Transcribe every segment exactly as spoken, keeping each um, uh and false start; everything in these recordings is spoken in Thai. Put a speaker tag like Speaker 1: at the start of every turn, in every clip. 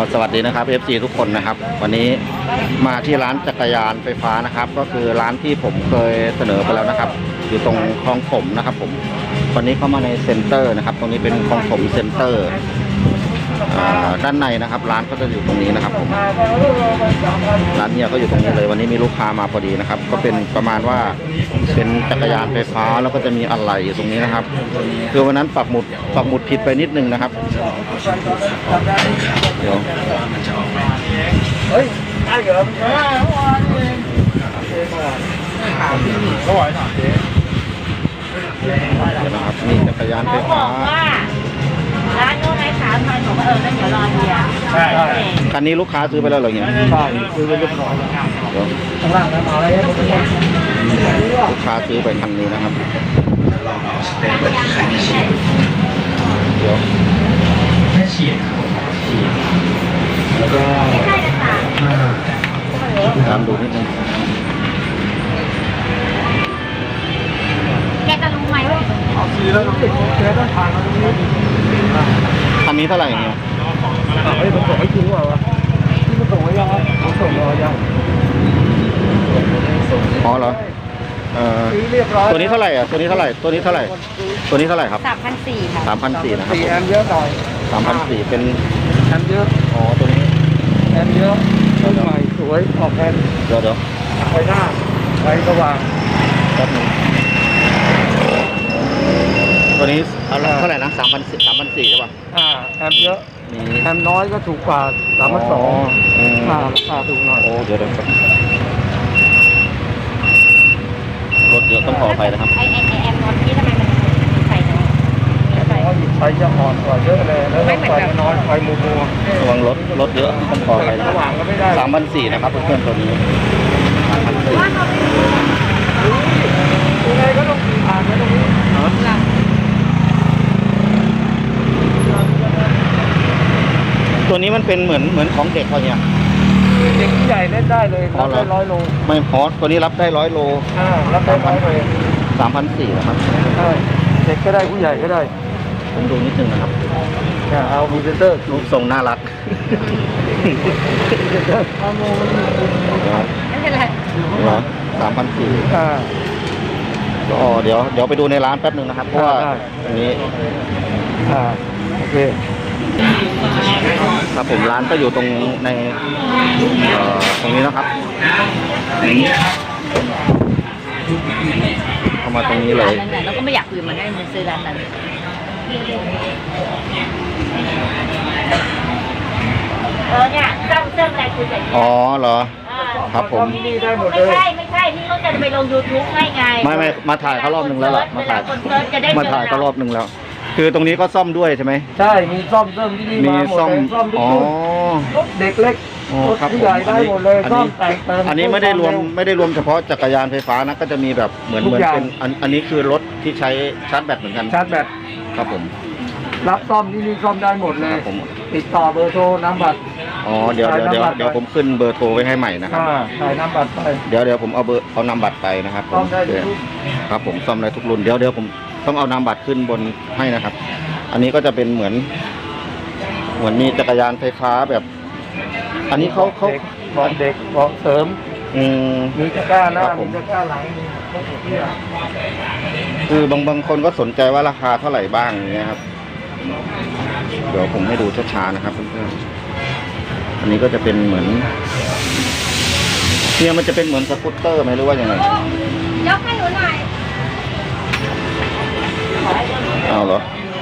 Speaker 1: สวัสดีนะครับ เอฟ ซี ทุกคนนะครับวันนี้มาที่ร้านจักรยานไฟฟ้านะครับก็คือร้านที่ผมเคยเสนอไปแล้วนะครับอยู่ตรงคลองถมนะครับผมวันนี้เข้ามาในเซ็นเตอร์นะครับตรงนี้เป็นคลองถมเซ็นเตอร์ด้านในนะครับร้านก็จะอยู่ตรงนี้นะครับผมร้านเนี่ยก็อยู่ตรงนี้เลยวันนี้มีลูกค้ามาพอดีนะครับก็เป็นประมาณว่าเป็นจักรยานไฟฟ้าแล้วก็จะมีอะไหล่อยู่ตรงนี้นะครับคือวันนั้นปักหมุดปักหมุดผิดไปนิดนึงนะครับเดี๋ยวเฮ้ยไอ้เหรอก็ไหวหน่อยเดี๋ยวนะครับนี่จักรยานไฟฟ้า
Speaker 2: ร้านโน้นไอ้สามพันผมเออแล้วเดี๋ยวรอเฮียใช่
Speaker 1: คันนี้ลูกค้าซื้อไปแล้วเหรอเนี่ย
Speaker 3: ใช่ซื้อไปเรียบร้อยแล้วข้างล่างนะมาอะไร
Speaker 1: ลูกค้าซื้อไปคันนี้นะครับเดี๋ยวแล้วก็ตามดูนิดนึง
Speaker 2: แกจะรู้ไหมว่า
Speaker 3: เอาซื้อแล้วต้องติดแค่ต้องผ่านมาตรงนี้
Speaker 1: คันนี้เท่าไหร่เนี่ย
Speaker 3: เฮ้ยมันส่งให้จริงว่ะที่มันส่งไว้ยังมันส่งรอยัง
Speaker 1: อ๋อเหรอเอ่อตัวนี้เท่าไหร่อ่ะตัวนี้เท่าไหร่ตัวนี้เท่าไหร่ตัวนี้เท่าไหร่ครับ
Speaker 2: สามพันสี่ค่ะ
Speaker 1: สามพันสี่นะครับ
Speaker 3: สี่แอมเยอะหน่อย
Speaker 1: สามพันสี่เป็น
Speaker 3: แอมเยอะ
Speaker 1: อ๋อตัวนี้
Speaker 3: แอมเยอะรุ่นใหม่สวยออกแอม
Speaker 1: เดี๋ยวเดี๋ยว
Speaker 3: ไฟหน้าไฟสว่าง
Speaker 1: แป๊บนึงตัวนี้เท่าไหร่นะสามพันสี่สามพันสี่ใช่ป่ะ
Speaker 3: อ่าแอมเยอะแอมน้อยก็ถูกกว่าสามพันสองราคาถูกหน่อย
Speaker 1: โอ้เดี๋ยวเดี๋ยวรถเยอะต้องขออภัยนะครับ
Speaker 2: ไอไอไอแอมนอนที่ทำไมมันมีไฟน้อย
Speaker 3: ไฟจะอ่อนกว่าเยอะเลยแล้วไฟน้อยไฟมัวมัว
Speaker 1: ระวังรถรถเยอะต้องขออภัยนะสามพันสี่นะครับเพื่อนๆตัวนี้สามพันสี่
Speaker 3: ยังไงก็ต้องผ่านไปตรงนี้
Speaker 1: ตัวนี้มันเป็นเหมือนเหมือนของเด็กเขาเนี่ย
Speaker 3: เด็กผู้ใหญ่เล่นได้เลยรับได้ร้อยโล
Speaker 1: ไม่พอตัวนี้รับได้ร้อยโล
Speaker 3: อ่ารับได้ร้อยโล
Speaker 1: สามพันสี่นะครับ
Speaker 3: ใช่เด็กก็ได้ผู้ใหญ่ก็ได้
Speaker 1: ผมดูนิดนึงนะครับ
Speaker 3: เอามีเซนเตอร์
Speaker 1: รูปทรงน่ารัก
Speaker 2: ไม่เป็นไร
Speaker 1: เหรอสามพันสี่
Speaker 3: อ่า
Speaker 1: อ๋อเดี๋ยวเดี๋ยวไปดูในร้านแป๊บนึงนะครับเพราะว่าตรงนี้
Speaker 3: อ่าโอเค
Speaker 1: ครับผมร้านก็อยู่ตรงในตรงนี้นะครับเข้ามาตรงนี้เลย
Speaker 2: เราก็ไม่อยากคุยมันได้มันซื้อร้านนั้นเออเนี่ยเริ่มเริ่มอะไรคุยกัน
Speaker 1: อ๋อเหรอครับผม
Speaker 2: ไม่ใช่ไม่ใช่นี่เขาจะไปลง ยูทูบ ให้ไง
Speaker 1: ไม่ไม่มาถ่ายเขารอบนึงแล้วล่ะมาถ่ายมาถ่ายเขารอบนึงแล้วคือตรงนี้ก็ซ่อมด้วยใช่ไหม
Speaker 3: ใช่มีซ่อมเริ่มที่นี่มาหมดเลยซ่อมทุกรุ่นเด็กเล็กผู้ใหญ่ได้หมดเลยซ่อมแต่งเติม
Speaker 1: อันนี้ไม่ได้รวมไม่ได้รวมเฉพาะจักรยานไฟฟ้านะก็จะมีแบบเหมือนเหมือนเป็นอันนี้คือรถที่ใช้ชาร์จแบตเหมือนกัน
Speaker 3: ชาร์จแบต
Speaker 1: ครับผม
Speaker 3: รับซ่อมที่นี่ซ่อมได้หมดเลยติดต่อเบอร์โทรน้ำบัตร
Speaker 1: อ๋อเดี๋ยวเดี๋ยวเดี๋ยวเดี๋ยวผมขึ้นเบอร์โทรไว้ให้ใหม่นะครับ
Speaker 3: ถ่ายน้ำบัตรไป
Speaker 1: เดี๋ยวเดี๋ยวผมเอาเบอร์เอานามบัตรไปนะครับ
Speaker 3: ซ่อมได้ทุก
Speaker 1: ครับผมซ่อมได้ทุกรุ่นเดี๋ยวเดี๋ยวผมต้องเอานามบัตรขึ้นบนให้นะครับ อันนี้ก็จะเป็นเหมือนเหมือนมีจักรยานไฟฟ้าแบบอันนี้เขาเขา
Speaker 3: บอกเด็กบอกเสริม
Speaker 1: อืม
Speaker 3: มีตะกร้าหน้ามีตะกร้าหลังมีพวกนี้
Speaker 1: คือบางบางคนก็สนใจว่าราคาเท่าไหร่บ้างอย่างเงี้ยครับเดี๋ยวผมให้ดูช้าๆนะครับเพื่อนๆอันนี้ก็จะเป็นเหมือนเนี่ยมันจะเป็นเหมือนสกูตเตอร์ไหมหรือว่ายังไง
Speaker 2: ยกให้หนูหน่อย
Speaker 1: เอาเหรอ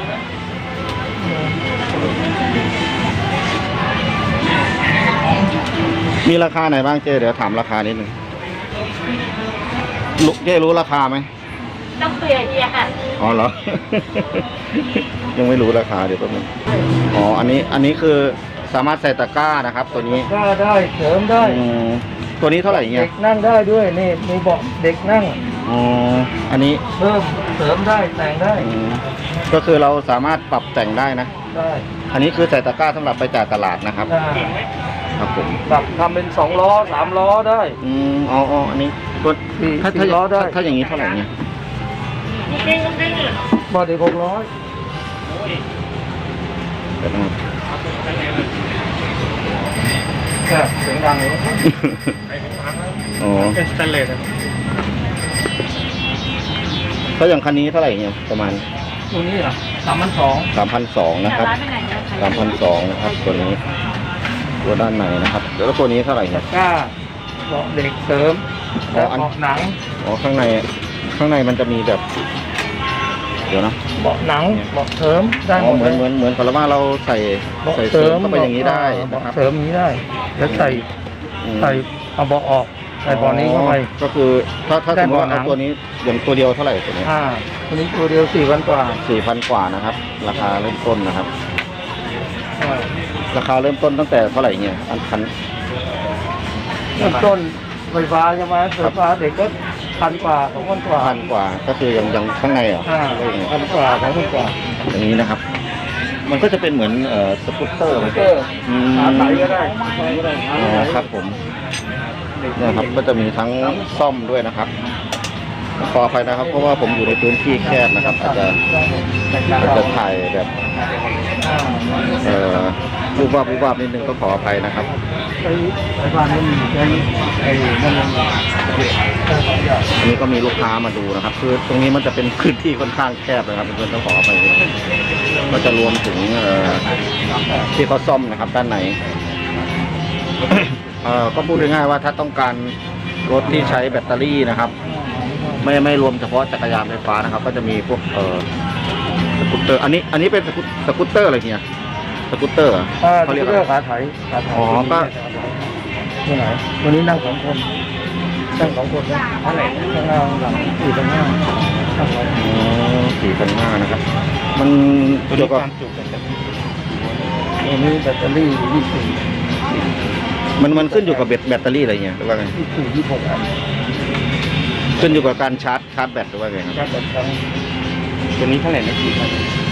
Speaker 1: มีราคาไหนบ้างเจ๊เดี๋ยวถามราคานิดนึงลูกเจ๊รู้ราคาไหม
Speaker 2: ต้องเปลี่ยนเนี่ยค่ะ
Speaker 1: อ๋อเหรอ ยังไม่รู้ราคาเดี๋ยวแป๊บนึงอ๋ออันนี้อันนี้คือสามารถใส่ตะกร้านะครับตัวนี้
Speaker 3: ก็ได้เสริมได้
Speaker 1: ตัวนี้เท่าไหร่เงี้ย
Speaker 3: เด็กนั่งได้ด้วยนี่มีเบาะเด็กนั่ง
Speaker 1: อ๋ออันนี้
Speaker 3: เพิ่มเสริมได้แต่งได้
Speaker 1: ก็คือเราสามารถปรับแต่งได้นะ
Speaker 3: ได้
Speaker 1: อันนี้คือใส่ตะกร้าสำหรับไปจ่ายตลาดนะครับครับผม
Speaker 3: ปรับทำเป็นสองล้อสามล้อได้
Speaker 1: อืมอ๋ออ๋ออันนี้ตัวถ้าถ้าล้อได้ถ้าอย่างนี้เท่าไหร่เนี่ย
Speaker 3: บอดี้หกร้อยเนี่ยเสียงดังเลย
Speaker 1: อ๋อ
Speaker 3: เป็นสแตนเลส
Speaker 1: ก็อย่างคันนี้เท่าไหร่เนี่ยประมาณ
Speaker 3: ตัวนี้เหรอสามพันสอง
Speaker 1: สามพันสองนะครับ
Speaker 2: ร้านไปไหนเนี่ย
Speaker 1: สามพันสองนะครับตัวนี้ตัวด้านในนะครับแล้วตัวนี้เท่าไหร่เนี่ย
Speaker 3: กล้าเบาะเด็กเสริมและเบาะหนัง
Speaker 1: อ๋อข้างในข้างในมันจะมีแบบ เดี๋ยวนะ
Speaker 3: เบาะหนังเบาะเสริมได้ห
Speaker 1: อ๋อ
Speaker 3: มด
Speaker 1: เหมือนเหมือนเหมือนกับว่าเราใส่
Speaker 3: เบาะ
Speaker 1: ใส่
Speaker 3: เสริม
Speaker 1: เข้าไปอย่างนี้ได้
Speaker 3: เบาะ
Speaker 1: นะครับ
Speaker 3: เสริมอย่างนี้ได้แล้วใส่
Speaker 1: อืม
Speaker 3: ใส่เอาเบาะออกใส่เบาะนี้เข้าไป
Speaker 1: ก็คือถ้าถ้า
Speaker 3: ได้
Speaker 1: สมมติว่า
Speaker 3: เบาะหนั
Speaker 1: เอา
Speaker 3: ง
Speaker 1: ตัวนี้อย่างตัวเดียวเท่าไหร่ตัวนี้
Speaker 3: อ่าตัวนี้ตัวเดียวสี่พันกว่า
Speaker 1: สี่พันกว่านะครับ ราคาเริ่มต้นนะครับ
Speaker 3: อ่า
Speaker 1: ราคาเริ่มต้นตั้งแต่เท่าไหร่เนี่ยอันคัน
Speaker 3: เริ่มต้นไฟฟ้าใช่ไหมไฟฟ้าเด็กก็พันกว่าสองพันกว่า
Speaker 1: พันกว่าก็คืออย่างอย่างข้างในเหรอ
Speaker 3: อ่า
Speaker 1: ก็อย่างนี้
Speaker 3: พันกว่าสองพันกว่า
Speaker 1: อย่างนี้นะครับ มันก็จะเป็นเหมือนเอ่อสกูตเตอร์ไหม
Speaker 3: เตอร์
Speaker 1: อืม
Speaker 3: ขาไถก็ได้ขาไถก็ได้ขา
Speaker 1: อ๋
Speaker 3: ไถ
Speaker 1: อครับผมเนี่ยครับก็จะมีทั้งซ่อมด้วยนะครับขออภัยนะครับ เพราะว่าผมอยู่ในพื้นที่แคบนะครับ อาจจะอาจจะถ่ายแบบเอ่อรูปวาบรูปวาบนิดนึงก็ขออภัยนะครับ
Speaker 3: ใช้ไฟฟ้าไม่มีใช้ไอ้นั่นเอง
Speaker 1: อันนี้ก็มีลูกค้ามาดูนะครับคือตรงนี้มันจะเป็นพื้นที่ค่อนข้างแคบนะครับเพื่อนๆต้องขออภัยก็จะรวมถึงเอ่อที่เขาซ่อมนะครับ ด้านใน เอ่อก็พูดง่ายๆว่าถ้าต้องการรถที่ใช้แบตเตอรี่นะครับ ไม่ไม่รวมเฉพาะจักรยานไฟฟ้านะครับ ก็จะมีพวกเอ่อสกูตเตอร์ อันนี้อันนี้เป็นสกูตสกูตเตอร์อะไรเฮียสกูตเตอร์เหรอ
Speaker 3: อ่า
Speaker 1: เขาเรียก
Speaker 3: เลื
Speaker 1: อะไร
Speaker 3: อกขาไถขาไถ
Speaker 1: อ๋อก็
Speaker 3: ตัวไหนวันนี้นั่งสองคนนั่งสองคนนะเท่าไหร่ข้างหน้าข้างหลังสี่พันห้าข้างหลัง
Speaker 1: อ๋อสี่พันห้านะครับ มันเกี่ยวกับ
Speaker 3: ตัวนี้แบตเตอรี่ยี่สิบ
Speaker 1: มันมันขึ้นอยู่กับแบตแบตเตอรี่อะไรเงี้ยหรือว่าไง
Speaker 3: ยี่สิบยี่สิบหกอัน
Speaker 1: ขึ้นอยู่กับการชาร์จชาร์จแบตหรือว่าไงครับ
Speaker 3: การแบตครั้ง
Speaker 1: ตัวนี้เท่าไหร่นะสี่พัน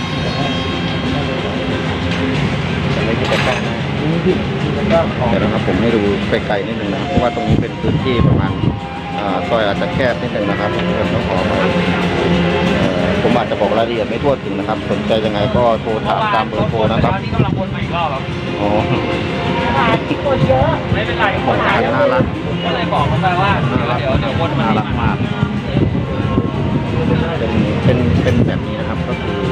Speaker 1: แต่ไม่ใช่แบตตั้ง
Speaker 3: นี้ที่ที่มันได้ของ
Speaker 1: เดี๋ยวนะครับผมให้ดูไกลๆนิดนึงนะครับเพราะว่าตรงนี้เป็นพื้นที่ประมาณอ่าซอยอาจจะแคบนิดนึงนะครับเพื่อนต้องขอมาผมอาจจะบอกรายละเอียดไม่ทั่วถึงนะครับ สนใจยังไงก็โทรถามตามเบอร์โทรนะครับ
Speaker 3: นี่กำลังวนมาอีกรอบครับ
Speaker 1: อ๋อ
Speaker 2: คนเยอะ
Speaker 3: ไม่เป็นไร
Speaker 1: ของขายน่ารัก
Speaker 3: ก็เลยบอกเขาไปว่าเดี๋ยวเดี๋ยววนมา
Speaker 1: น่ารักมากเป็นเป็นเป็นแบบนี้นะครับก็คือ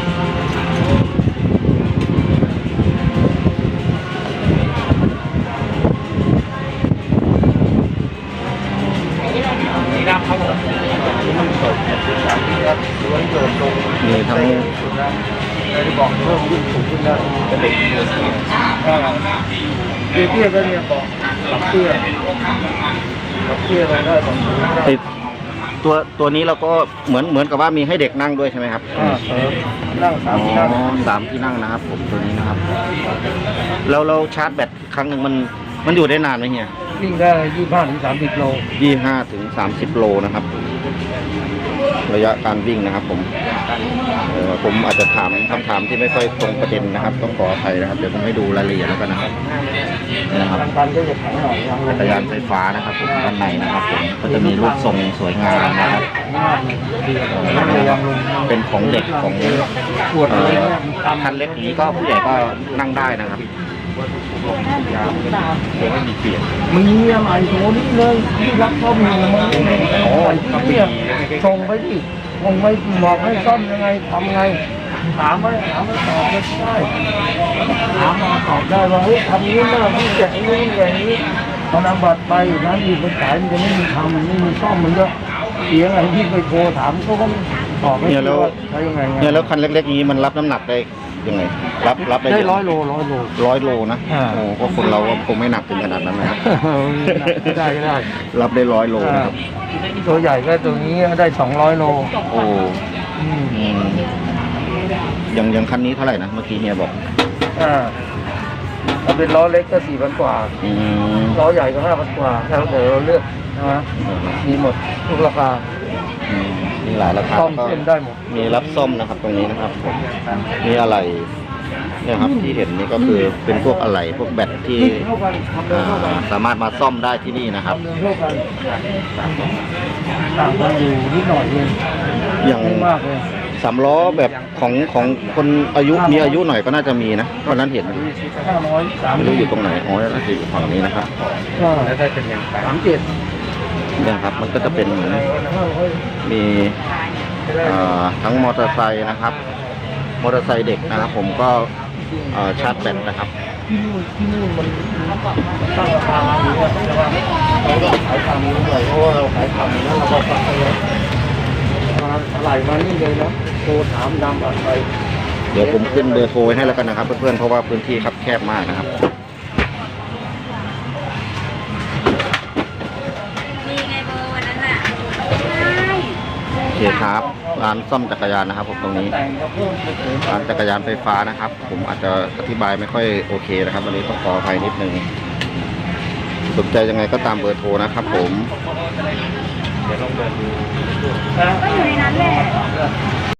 Speaker 3: สีดำครับผมมันสดสามที่ครับล้วนโดดลง
Speaker 1: มีทั้ง
Speaker 3: เลยบอกเพิ่มยิ่งสูงขึ้นได้เป็นเด็กเตี้ยเตี้ยเตี้ยก็เนี่ยบอกหลับเตี้ยหลับเตี้ยอะไรได้บอกสูงได้
Speaker 1: ติดตัวตัวนี้เราก็เหมือนเหมือนกับว่ามีให้เด็กนั่งด้วยใช่ไหมครับ
Speaker 3: อ่าเออนั่งสา
Speaker 1: อ๋
Speaker 3: มที่นั่ง
Speaker 1: อสามที่นั่งนะครับ ผมตัวนี้นะครับแล้วเราชาร์จแบตครั้งหนึ่งมันมันอยู่ได้นานไหมเฮีย
Speaker 3: วิ่งได้ยี่สิบห้าถึงสามสิบโล
Speaker 1: ยี่ห้าถึงสามสิบโลนะครับ ระยะการวิ่งนะครับ ผมเอ่อผมอาจจะถามคำถามที่ไม่ค่อยตรงประเด็นนะครับ ต้องขออภัยนะครับเดี๋ยวผมให้ดูรายละเอียดแล้วกันนะครับนี่นะครับ
Speaker 3: ทางการก็จะแข็งหน่อยยังล
Speaker 1: จั
Speaker 3: ง
Speaker 1: กรยานไฟฟ้านะครับผมด้านในนะครับผมก็จะมีรูปทรงสวยงามนะครับ
Speaker 3: ยังลง
Speaker 1: เป็นของเด็กของ
Speaker 3: ปวด
Speaker 1: เอ่
Speaker 3: เลย
Speaker 1: อ
Speaker 3: เนี่ยมัน
Speaker 1: คันเล็กอย่างนี้ก็ผู้ใหญ่ก็นั่งได้นะครับยาวเดี๋ยวไม่มีเปลี่ยน
Speaker 3: มีอะไรโถนี่เลยที่รักซ่อมอยู่มันโอ้ยเนี่ยส่งไปดิส่งไปบอกให้ซ่อมยังไงทำไงถามมาถามมาตอบไม่ได้ถามมาตอบได้ว่าเฮ้ยทำนี้นะพี่แจกนี้อย่างนี้ตอนนำบัตรไปร้านอื่นไปขายมันจะไม่มีทำมันไม่มีซ่อมมันก็เสียอะไรที่ไปโทรถามเขาก็ตอบไม่ได้ว่าใช้ยังไง
Speaker 1: เนี่ยแล้วคันเล็กๆอย่างนี้มันรับน้ำหนักได้ยังไง รับรับได้
Speaker 3: ได้
Speaker 1: เะ
Speaker 3: ร้อยโลร้อยโล
Speaker 1: ร้อยโลนะ
Speaker 3: อ่า
Speaker 1: โอ้ก็คนเราก็คงไม่หนักถึงขนาดนั้นนะครับ
Speaker 3: ได้ก็ได้
Speaker 1: รับได้ร้อยโลนะครับ
Speaker 3: ตัวใหญ่ก็ตัวนี้ได้สองร้อยโล
Speaker 1: โอ้
Speaker 3: อืม
Speaker 1: อืมอย่างอย่างคันนี้เท่าไหร่นะเมื่อกี้เฮียบอก
Speaker 3: อ่าถ้าเป็นล้อเล็กก็สี่พันกว่า
Speaker 1: อืม
Speaker 3: ล้อใหญ่ก็ห้าพันกว่าแล้วเดี๋ยวเราเลือกนะฮะมีหมดทุกราคา
Speaker 1: อืมมีหลายราคา
Speaker 3: ซ่อม
Speaker 1: ก็
Speaker 3: เส้นได้หมด
Speaker 1: มีรับซ่อมนะครับ ตรงนี้นะครับผมมีอะไรเนี่ยครับที่เห็นนี่ก็คือเป็นพวกอะไรพวกแบตที่
Speaker 3: เท่ากันทำเร็ว
Speaker 1: อ่า
Speaker 3: เท่ากัน
Speaker 1: สามารถมาซ่อมได้ที่นี่นะครับ
Speaker 3: ทำเร็วเท่ากันต่างกันอยู่นิดหน่อยเอง
Speaker 1: อย่าง
Speaker 3: ไม่มากเลย
Speaker 1: สามล้อแบบของของคนอายุมีอายุหน่อยก็น่าจะมีนะวันนั้นเห็น
Speaker 3: ห้าร้อยสาม
Speaker 1: ไม่รู้อยู่ตรงไหนอ๋อน่าจะอยู่ฝั่งนี้นะครับ
Speaker 3: แล้วได้เป็นยังสามเจ็ด
Speaker 1: เนี่ยครับมันก็จะเป็นเหมือนมีเอ่อทั้งมอเตอร์ไซค์นะครับ มอเตอร์ไซค์เด็กนะครับ ผมก็เอ่อชาร์จแบตนะครับ
Speaker 3: ที่นู่นที่นู่นมันตั้งราคาอยู่เนี่ยแต่ว่าเราก็ขายทำนี้เลยเพราะว่าเราขายทำแล้วเราก็ฝากไปเลยมาไหลมานี่เลยนะโทรถามดำอะไร
Speaker 1: เดี๋ยวผมขึ้นเบอร์โทรไว้ให้แล้วกันนะครับ เพื่อนๆเพราะว่าพื้นที่ครับแคบมากนะครับ
Speaker 2: มีไงเบอร์วันนั้นน่ะใช่
Speaker 1: โอเคครับร้านซ่อมจักรยานนะครับผมตรงนี้
Speaker 3: แต่งก็เพิ่มไปถึง
Speaker 1: ร้านจักรยานไฟฟ้านะครับ ผมอาจจะอธิบายไม่ค่อยโอเคนะครับวันนี้ต้องขออภัยนิดนึงสนใจยังไงก็ตามเบอร์โทรนะครับ ผม
Speaker 3: เดี๋ยวลองเดินดู
Speaker 2: ก็อยู่ในนั้นแหละ